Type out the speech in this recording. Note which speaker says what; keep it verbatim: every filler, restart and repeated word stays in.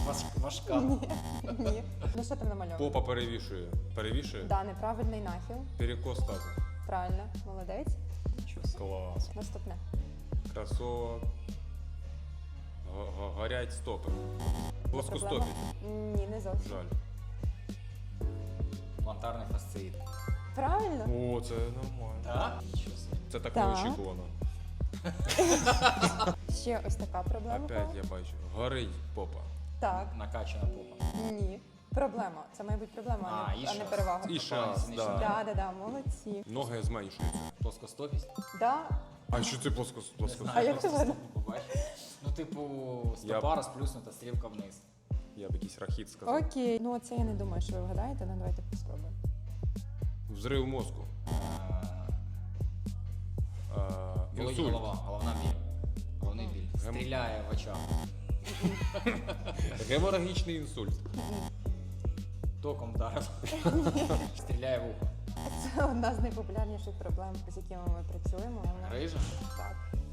Speaker 1: Важ- Важка.
Speaker 2: Ні. Ні. Ну що там намальовано?
Speaker 3: Попа перевішує. Перевішує?
Speaker 2: Да, неправильний нахил.
Speaker 3: Перекос тазу.
Speaker 2: Правильно, молодець.
Speaker 1: Нічого собі.
Speaker 3: Клас.
Speaker 2: Наступне.
Speaker 3: Кросовок. Г- г- Горять стопи. Плоскостопі.
Speaker 2: Проблема? Ні, не зовсім.
Speaker 3: Жаль.
Speaker 1: Плантарний фасциїт.
Speaker 2: Правильно?
Speaker 3: О, це нормально.
Speaker 1: Так? Нічого собі.
Speaker 3: Це так
Speaker 2: Так.
Speaker 3: неочікувано.
Speaker 2: Ще ось така проблема.
Speaker 3: Опять я бачу. Горить попа.
Speaker 2: Так.
Speaker 1: Накачана попа.
Speaker 2: Ні. Проблема. Це має бути проблема, а,
Speaker 1: А,
Speaker 2: не,
Speaker 1: і
Speaker 2: а не
Speaker 1: шас.
Speaker 2: перевага.
Speaker 3: І шас,
Speaker 1: Да.
Speaker 3: да.
Speaker 2: Да, да, да, молодці.
Speaker 3: Ноги зменшуються.
Speaker 1: Плоскостопість.
Speaker 2: Да.
Speaker 3: А що це плоскос...
Speaker 1: Не
Speaker 3: плоскостопі?
Speaker 1: знаю,
Speaker 2: А як ти
Speaker 1: просто
Speaker 2: видно?
Speaker 1: стопу побачив. Ну, типу,
Speaker 3: Я-
Speaker 1: стопа розплюснута, стрілка вниз.
Speaker 3: Я б якийсь рахіт сказав.
Speaker 2: Окей. Ну це я не думаю, що ви вгадаєте, але давайте спробуємо.
Speaker 3: Взрив мозку.
Speaker 1: Е,
Speaker 3: А,
Speaker 1: Болить
Speaker 3: інсульт.
Speaker 1: голова, головна біль. Головний біль.
Speaker 3: Гем-
Speaker 1: Стріляє в очах.
Speaker 3: Геморагічний інсульт.
Speaker 1: Током вдарив. Стріляє в ухо.
Speaker 2: Це одна з найпопулярніших проблем, з якими ми працюємо. Вона-
Speaker 1: Грижа?
Speaker 2: Так.